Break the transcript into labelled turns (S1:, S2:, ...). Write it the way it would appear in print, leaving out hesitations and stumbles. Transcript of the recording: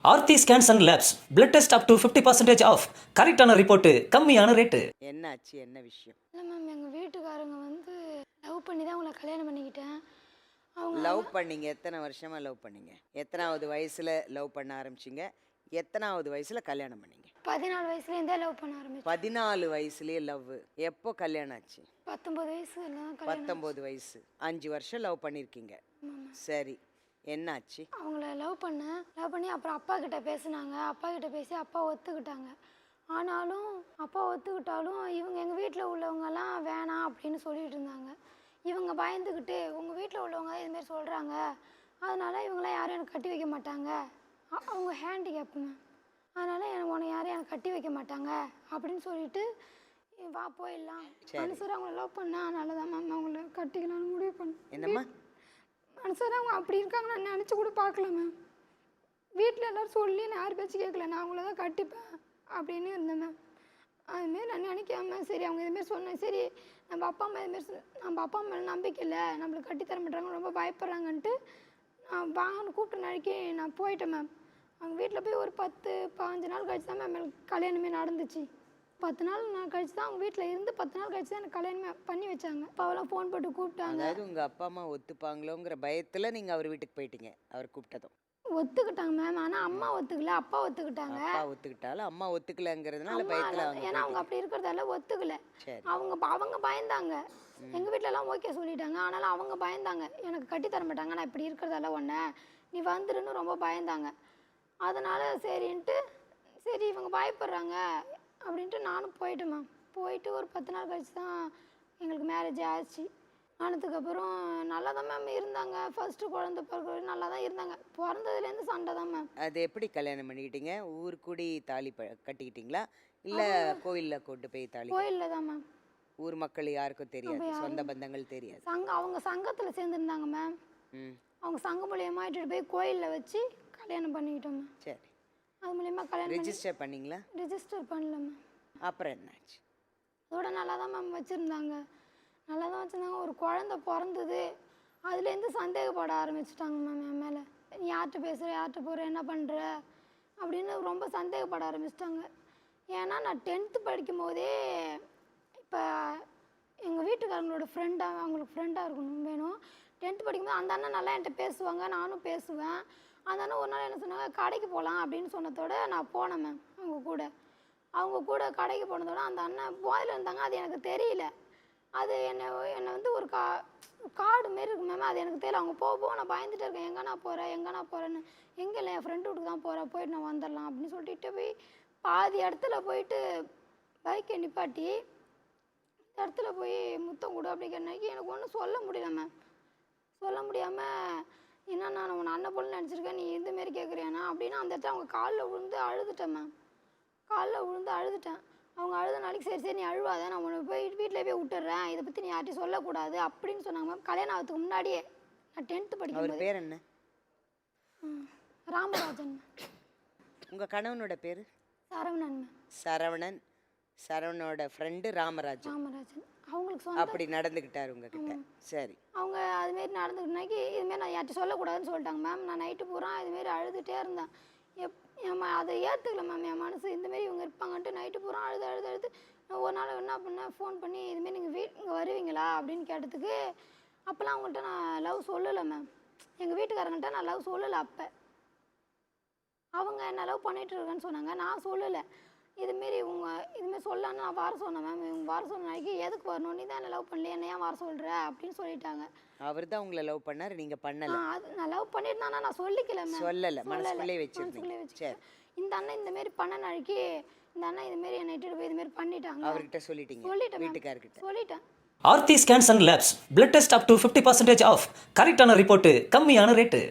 S1: Aarthi scans and labs blood test up to 50% off. கரெக்டான report, கம்மியான rate.
S2: என்னாச்சு, என்ன விஷயம்?
S3: இல்லை மேம், எங்கள் வீட்டுக்காரங்க வந்து லவ் பண்ணி தான் உங்களை கல்யாணம் பண்ணிக்கிட்டேன். அவங்க
S2: லவ் பண்ணீங்க? எத்தனை வருஷமா லவ் பண்ணீங்க? எத்தனாவது வயசுல லவ் பண்ண ஆரம்பிச்சீங்க? எத்தனாவது வயசுல கல்யாணம் பண்ணீங்க?
S3: 14 வயசுலேருந்தே லவ் பண்ண ஆரம்பிச்சேன்.
S2: 14 வயசுலயே லவ். எப்போ கல்யாணம் ஆச்சு?
S3: 19 வயசுல தான் கல்யாணம்.
S2: 19 வயசு. 5 வருஷம் லவ் பண்ணியிருக்கீங்க. சரி, என்னாச்சு?
S3: அவங்கள லவ் பண்ணி அப்புறம் அப்பா கிட்ட பேசினாங்க. அப்பா கிட்ட பேசி அப்பா ஒத்துக்கிட்டாங்க. ஆனாலும் அப்பா ஒத்துக்கிட்டாலும் இவங்க எங்கள் வீட்டில் உள்ளவங்கெல்லாம் வேணாம் அப்படின்னு சொல்லிட்டு இருந்தாங்க. இவங்க பயந்துக்கிட்டு உங்கள் வீட்டில் உள்ளவங்க இதுமாரி சொல்கிறாங்க, அதனால இவங்களாம் யாரும் எனக்கு கட்டி வைக்க மாட்டாங்க, அவங்க ஹேண்டிகேப்புங்க, அதனால் உன்னை யாரும் எனக்கு கட்டி வைக்க மாட்டாங்க அப்படின்னு சொல்லிட்டு வா போயிடலாம் மனுஷர் அவங்கள லவ் பண்ணேன். அதனால தான் மேம் அவங்கள கட்டிக்கலாம்னு முடிவு பண்ணேன்.
S2: என்னம்மா
S3: மனுஷர் அவங்க அப்படி இருக்காங்க நான் நினச்சி கூட பார்க்கல மேம். வீட்டில் எல்லோரும் சொல்லி நான் யார் பேச்சு கேட்கல, நான் அவங்கள தான் கட்டிப்பேன் அப்படின்னு இருந்தேன் மேம். அதுமாரி நான் நினைக்காம சரி அவங்க இதுமாரி சொன்னேன். சரி நம்ம அப்பா அம்மா மேலே நம்பிக்கை இல்லை, நம்மளுக்கு கட்டித்தர மாட்டாங்க, ரொம்ப பயப்படுறாங்கன்ட்டு நான் வாங்கன்னு கூப்பிட்டு நாளைக்கு நான் போயிட்டேன் மேம். அவங்க வீட்டில் போய் ஒரு 10-15 நாள் கழிச்சு தான் மேம் கல்யாணமே நடந்துச்சு. 10 நாள் நான் கழிச்சு தான் அவங்க வீட்டில் இருந்து 10 நாள் கழிச்சு தான் எனக்கு கல்யாணமே பண்ணி வச்சாங்க. அப்பாவெல்லாம் ஃபோன் போட்டு கூப்பிட்டாங்க.
S2: அதாவது உங்க அப்பா அம்மா ஒத்துப்பாங்களோங்கிற பயத்துல நீங்க அவர் வீட்டுக்கு போயிட்டீங்க. அவர் கூப்பிட்டதும்
S3: ஒத்துக்கிட்டாங்க மேம். ஆனால் அம்மா ஒத்துக்கல, அப்பா ஒத்துக்கிட்டாங்க.
S2: அப்பா ஒத்துக்கிட்டாலும் அம்மா ஒத்துக்கலங்கிறதுனால பயத்துல அவங்க
S3: ஏன்னா அவங்க அப்படி இருக்கிறதால ஒத்துக்கல.
S2: சரி.
S3: அவங்க பயந்தாங்க. எங்கள் வீட்டிலலாம் ஓகே சொல்லிட்டாங்க, ஆனாலும் அவங்க பயந்தாங்க, எனக்கு கட்டித்தர மாட்டாங்க, நான் இப்படி இருக்கிறதால ஒன்று நீ வந்துருன்னு ரொம்ப பயந்தாங்க. அதனால் சரின்ட்டு சரி இவங்க பயப்படுறாங்க அப்படின்ட்டு நானும் போயிட்டேன் மேம். போயிட்டு ஒரு 10 நாள் கழிச்சு தான் எங்களுக்கு மேரேஜ் ஆச்சு. ஆனதுக்கப்புறம் நல்லா தான் மேம் இருந்தாங்க. ஃபர்ஸ்ட்டு குழந்தை பிறகு நல்லா தான் இருந்தாங்க. பிறந்ததுலேருந்து சண்டை தான் மேம்.
S2: அது எப்படி கல்யாணம் பண்ணிக்கிட்டீங்க? ஊர் கூடி தாலி கட்டிக்கிட்டீங்களா இல்லை கோயிலில் கொண்டு போய் தாலி?
S3: கோயிலில் தான் மேம்.
S2: ஊர் மக்கள் யாருக்கும் தெரியாது, சொந்த பந்தங்கள் தெரியாது.
S3: அவங்க சங்கத்தில் சேர்ந்துருந்தாங்க மேம். அவங்க சங்கம் மூலியமாக இட்டுட்டு போய் கோயிலில் வச்சு கல்யாணம் பண்ணிக்கிட்டோம் மேம்.
S2: சரி.
S3: அது மூலியமாக கல்யாணம்
S2: ரெஜிஸ்டர் பண்ணீங்களா?
S3: ரிஜிஸ்டர் பண்ணல மேம்.
S2: அப்புறம் என்னாச்சு?
S3: அதோட நல்லா தான் மேம் வச்சுருந்தாங்க. நல்லா தான் வச்சுருந்தாங்க. ஒரு குழந்த பிறந்தது, அதுலேருந்து சந்தேகப்பட ஆரம்பிச்சிட்டாங்க மேம் என் மேலே. நீ யார்கிட்ட பேசுகிற, யார்கிட்ட போகிற, என்ன பண்ணுற அப்படின்னு ரொம்ப சந்தேகப்பட ஆரம்பிச்சிட்டாங்க. ஏன்னா நான் 10th படிக்கும் போதே இப்போ எங்கள் வீட்டுக்காரங்களோட ஃப்ரெண்டாக அவங்களுக்கு ஃப்ரெண்டாக இருக்கணும் வேணும். 10th படிக்கும்போது அந்த அண்ணன் நல்லா என்கிட்ட பேசுவாங்க, நானும் பேசுவேன். அந்த அண்ணன் ஒரு நாள் என்ன சொன்னாங்க, கடைக்கு போகலாம் அப்படின்னு சொன்னதோட நான் போனேன் மேம். அவங்க கூட கடைக்கு போனதோட அந்த அண்ணன் போதையில் இருந்தாங்க, அது எனக்கு தெரியல. அது என்னை வந்து ஒரு காடு மாரி இருக்கு மேம், அது எனக்கு தெரியல. அவங்க போக நான் பயந்துட்டு இருக்கேன், எங்கே நான் போகிறேன்னு. எங்கே இல்லை, என் ஃப்ரெண்டு வீட்டுக்கு தான் போகிறேன், போயிட்டு நான் வந்துடலாம் அப்படின்னு சொல்லிட்டு போய் பாதி இடத்துல போயிட்டு பைக்கை நிப்பாட்டி இந்த இடத்துல போய் முத்தம் கொடு அப்படி கேட்டனாக்கி எனக்கு ஒன்றும் சொல்ல முடியல மேம். சொல்ல முடியாமல் என்ன நான் உன்னை அண்ணன் போல நினச்சிருக்கேன், நீ இதுமாரி கேட்குறியாண்ணா அப்படின்னு அந்த இடத்துல அவங்க காலில் விழுந்து அழுதுட்டேன் மேம். அழுதுட்டேன். அவங்க அழுத நாளைக்கு சரி நீ அழுவாத, நான் உன்னை போய் வீட்டில் போய் விட்டுறேன், இதை பற்றி நீ யார்ட்டையும் சொல்லக்கூடாது அப்படின்னு சொன்னாங்க மேம். கல்யாணம் ஆகிறதுக்கு முன்னாடியே நான் 10th படிக்கும்.
S2: பேர் என்ன?
S3: ராமராஜன்.
S2: உங்கள் கணவனோட பேர்?
S3: சரவணன் மேம்.
S2: சரவணன். சரவணனோட ஃப்ரெண்டு ராமராஜன்.
S3: அவங்களுக்கு
S2: அப்படி நடந்துக்கிட்டாரு உங்ககிட்ட? சரி.
S3: அவங்க அதுமாரி நடந்துக்கிட்டாக்கி இதுமாரி நான் யார்ட்டையும் சொல்லக்கூடாதுன்னு சொல்லிட்டாங்க மேம். நான் நைட்டு பூரா இதுமாரி அழுதுகிட்டே இருந்தேன். அதை ஏற்றுக்கல மேம் என் மனசு. இந்தமாரி இவங்க இருப்பாங்கன்ட்டு நைட்டு பூரா அழுது நான் ஒரு நாள் என்ன பண்ணேன், ஃபோன் பண்ணி இதுமாரி நீங்கள் இங்கே வருவீங்களா அப்படின்னு கேட்டதுக்கு அப்போல்லாம் அவங்கள்ட்ட நான் லவ் சொல்லலை மேம். எங்கள் வீட்டுக்காரங்கள்ட்ட நான் லவ் சொல்லலை. அப்போ அவங்க என்ன லவ் பண்ணிகிட்டு இருக்கேன்னு சொன்னாங்க, நான் சொல்லலை. இதுமாரி இதுமாரி சொல்லலான்னு நான் வர சொன்னேன் மேம். இவங்க வர சொன்ன நாளைக்கு எதுக்கு வரணும், நீ தான் என்ன லவ் பண்ணல, என்ன ஏன் வர சொல்கிற அப்படின்னு சொல்லிட்டாங்க.
S2: அவர் தான் உங்களை லவ் பண்ணார், நீங்கள் பண்ணல?
S3: அது நான் லவ் பண்ணிட்டு தான் நான் சொல்லிக்கல மேம்.
S2: சொல்லலை, மனசுக்குள்ளே வச்சிருந்தீங்க. சரி.
S3: இந்த அண்ணன் இந்தமாரி பண்ண நாளைக்கு இந்த அண்ணன் இதுமாரி என்னை இட்டுட்டு போய் இதுமாரி பண்ணிட்டாங்க.
S2: அவர்கிட்ட சொல்லிட்டேன் வீட்டுக்காரர்கிட்ட
S3: சொல்லிட்டேன்.
S1: Aarthi scans and labs blood test up to 50% off. கரெக்டான ரிப்போர்ட், கம்மியான ரேட்டு.